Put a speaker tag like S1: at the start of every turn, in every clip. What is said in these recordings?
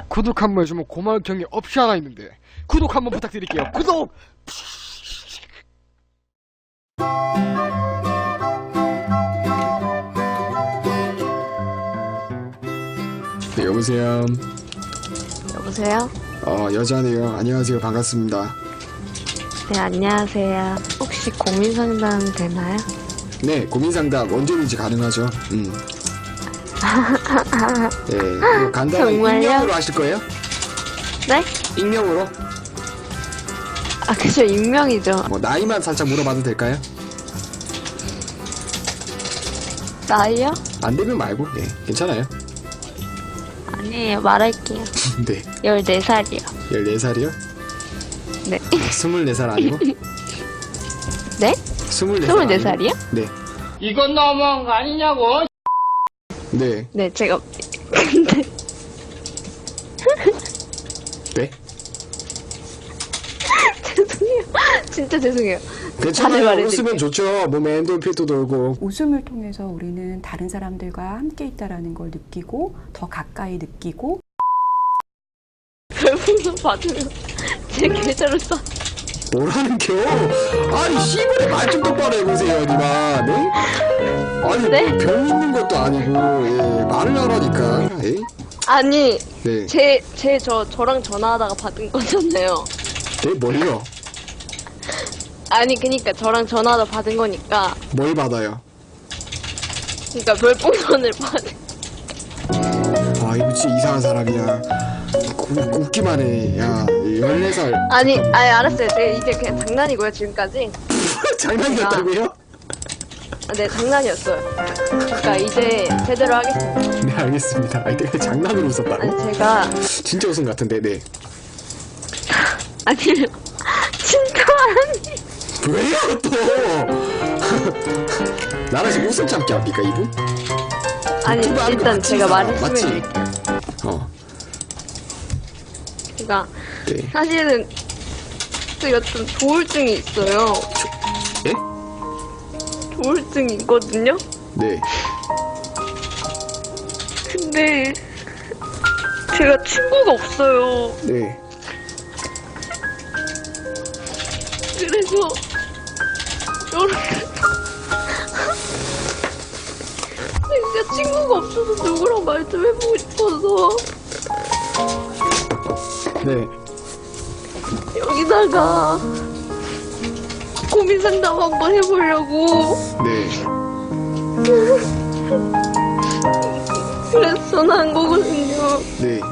S1: 구독 한 번 해주면 고마울 경이 없이 하나 있는데 구독 한 번 부탁드릴게요. 구독! 네, 여보세요.
S2: 여보세요?
S1: 여자네요. 안녕하세요. 반갑습니다.
S2: 네, 안녕하세요. 혹시 고민 상담 되나요?
S1: 네, 고민 상담 언제든지 가능하죠. 네, 간단한
S2: 정말요?
S1: 익명으로 하실 거예요?
S2: 네?
S1: 익명으로?
S2: 아, 그죠. 익명이죠.
S1: 뭐 나이만 살짝 물어봐도 될까요?
S2: 나이요?
S1: 안 되면 말고, 네, 괜찮아요.
S2: 아니에요. 말할게요.
S1: 네,
S2: 14살이요.
S1: 14살이요?
S2: 네.
S1: 24살 아니고?
S2: 네?
S1: 24살
S2: 24살이요?
S1: 네.
S3: 이건 너무한 거 아니냐고.
S1: 네.
S2: 네, 제가. 근데,
S1: 네?
S2: 죄송해요. 진짜 죄송해요.
S1: 괜찮아요.
S2: 말해드릴게요.
S1: 웃으면 좋죠. 몸에 엔돌핀도 돌고.
S4: 웃음을 통해서 우리는 다른 사람들과 함께 있다라는 걸 느끼고 더 가까이 느끼고
S2: 별풍선 받으면 제 계좌로 써.
S1: 뭐라는 겨? 아니, 시골에 말 좀 똑바로 해보세요, 니마. 네? 아니,
S2: 네?
S1: 뭐 병 있는 것도 아니고, 예, 말을 하라니까. 예?
S2: 아니,
S1: 네.
S2: 저랑 전화하다가 받은 거잖아요.
S1: 네, 뭘요?
S2: 아니, 그니까 저랑 전화하다 받은 거니까.
S1: 뭘 받아요?
S2: 그니까 별풍선을 받은.
S1: 아, 이거 진짜 이상한 사람이야. 웃기만 해. 야, 14살.
S2: 아니, 알았어요. 이게 그냥 장난이고요, 지금까지.
S1: 장난이었다고요?
S2: 아, 네, 장난이었어요. 그러니까 이제 제대로 하겠습니다.
S1: 네, 알겠습니다. 아니, 내가 장난으로 웃었다고?
S2: 아니, 제가.
S1: 진짜 웃음 같은데, 네.
S2: 아니요. 진짜 아니.
S1: 왜요, 또? 나랑 지금 웃음 참기 합니까, 이분?
S2: 아니,
S1: 유튜브 하는 거
S2: 일단
S1: 맞지,
S2: 제가
S1: 이거?
S2: 말했으면.
S1: 맞지?
S2: 그러니까
S1: 네.
S2: 사실은 제가 좀 조울증이 있어요.
S1: 예?
S2: 조울증이 있거든요.
S1: 네.
S2: 근데 제가 친구가 없어요.
S1: 네.
S2: 그래서 이렇게 진짜 친구가 없어서 누구랑 말 좀 해보고 싶어서
S1: 네.
S2: 여기다가 고민 상담 한번 해보려고
S1: 네.
S2: 그래서 전화한 거거든요.
S1: 네.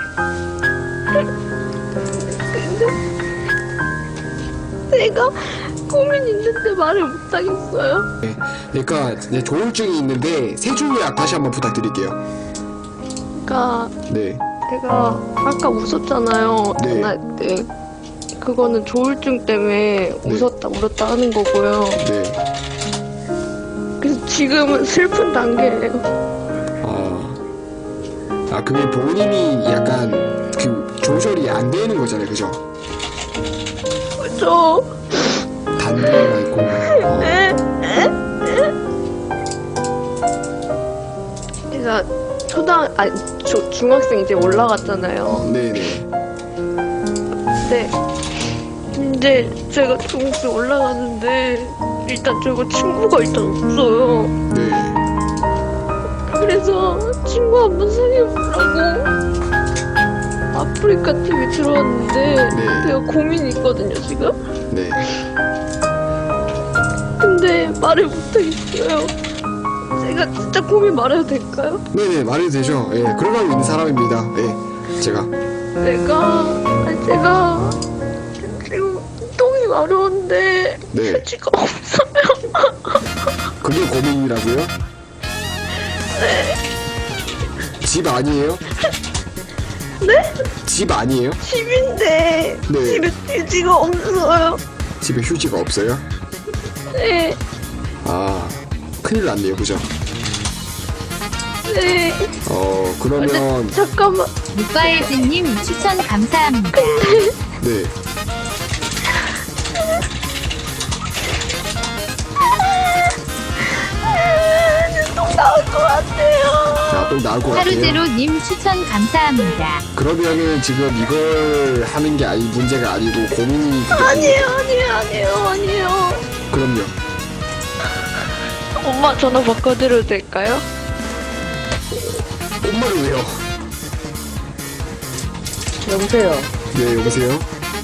S2: 제가 고민 있는데 말을 못하겠어요.
S1: 네. 그러니까 네, 조울증이 있는데 세 줄 요약 다시 한번 부탁드릴게요.
S2: 그러니까
S1: 네.
S2: 제가 아까 웃었잖아요.
S1: 네.
S2: 전화할 때. 그거는 조울증 때문에
S1: 네.
S2: 웃었다 울었다 하는 거고요.
S1: 네.
S2: 그래서 지금은 슬픈 단계예요.
S1: 그게 본인이 약간 그 조절이 안 되는 거잖아요, 그죠?
S2: 그죠?
S1: 단계가 있고.
S2: 제가 중학생 이제 올라갔잖아요.
S1: 네네.
S2: 근데 이제 제가 중학생 올라가는데 일단 제가 친구가 일단 없어요.
S1: 네.
S2: 그래서 친구 한번 사귀어보려고 아프리카 TV 들어왔는데
S1: 네.
S2: 제가 고민이 있거든요 지금.
S1: 네.
S2: 근데 말을 못하겠어요. 제가 진짜 고민 말해도 될까요?
S1: 네네, 말해도 되죠. 예, 그러고 있는 사람입니다. 예, 제가.
S2: 제가 지금 똥이 마려운데
S1: 네.
S2: 휴지가 없어요.
S1: 그게 고민이라고요?
S2: 네.
S1: 집 아니에요?
S2: 네?
S1: 집 아니에요?
S2: 집인데
S1: 네.
S2: 집에 휴지가 없어요.
S1: 집에 휴지가 없어요?
S2: 네.
S1: 큰일 났네요, 그죠?
S2: 네.
S1: 그러면,
S2: 잠깐만.
S5: 묵바에즈님 추천 감사합니다.
S1: 네.
S2: 똥 나올 것 같아요.
S1: 꼭 나올 것 같아요.
S5: 하루제로님 추천 감사합니다.
S1: 그러면은 지금 이걸 하는 게 문제가 아니고 고민이.
S2: 아니에요.
S1: 그럼요.
S2: 엄마 전화 바꿔드려도 될까요?
S1: 엄마를 왜요?
S2: 여보세요.
S1: 네, 여보세요?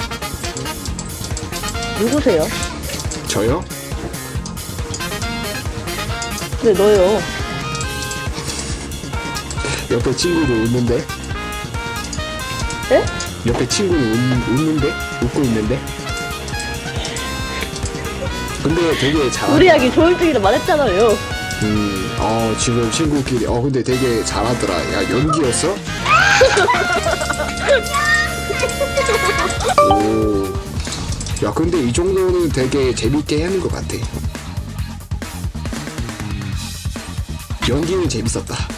S2: 누구세요?
S1: 저요?
S2: 네, 너요.
S1: 옆에 친구도 웃는데?
S2: 네?
S1: 옆에 친구는 웃는데? 웃고 있는데? 근데 되게 잘한다.
S2: 우리 아기 조울증이라 말했잖아요.
S1: 지금 친구끼리, 근데 되게 잘하더라. 야, 연기였어? 오. 야, 근데 이 정도는 되게 재밌게 하는 것 같아. 연기는 재밌었다.